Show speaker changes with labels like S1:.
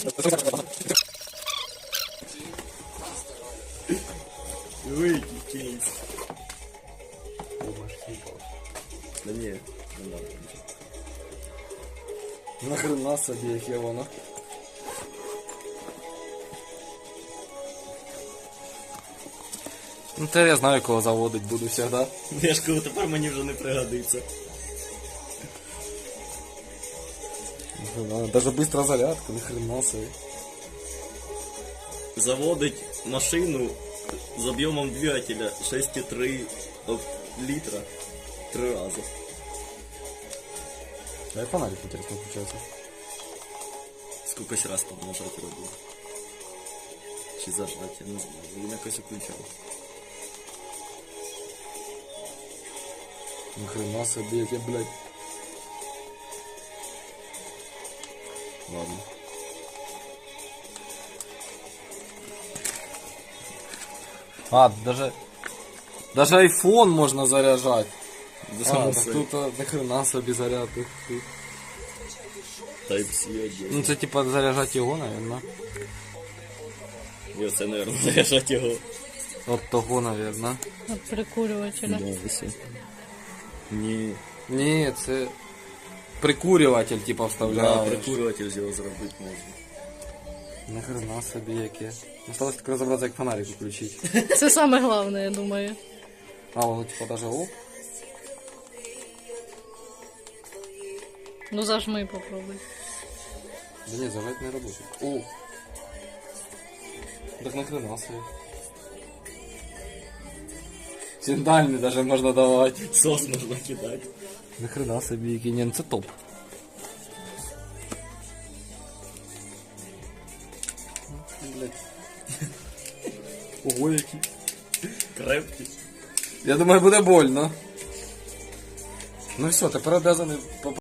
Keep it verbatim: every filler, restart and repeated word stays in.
S1: Выйди, кейс. Да не, не надо.
S2: Нахрена собі, яке воно. Ну тепер я знаю, кого заводить буду завжди.
S1: Я ж кажу, тепер мені вже не пригодиться.
S2: Нахрена, даже быстро зарядка, нахрена собі.
S1: Заводить машину з об'ємом двигателя шесть і три літра три рази.
S2: А я фонарик интересно включается.
S1: Скількось раз там нажати робив. Чи зажати, я не знаю. Він якось включав.
S2: Нахрена собі, яке, блядь. Ладно. А, даже... Даже айфон можно заряжать.
S1: Да,
S2: А,
S1: само
S2: так
S1: собі.
S2: тут а, нахрена собі заряд. Ух ти.
S1: Type-C один.
S2: Ну це типа заряжать його, наверное.
S1: І оце, мабуть, заряджати його.
S2: От того, наверное.
S3: От прикурювателя.
S1: Да, ось. Ні.
S2: Ні, це прикурюватель, типа,
S1: Да,
S2: вставляєш.
S1: прикурюватель з його зробити можна.
S2: Нахрена собі яке. Осталось тільки розібратися, як фонарик включити.
S3: Це саме головне, я думаю.
S2: А, воно типа даже оп.
S3: Ну зажми попробуй.
S2: Да ні, зажать не работает. О! Так нахрена собі. Синдальний даже можна давати.
S1: Сос можна кидати.
S2: Нахрена собі який. Ні, ну це топ. Блять. Ого, який.
S1: Крепкий.
S2: Я думаю, буде больно. Ну все, тепер обязаний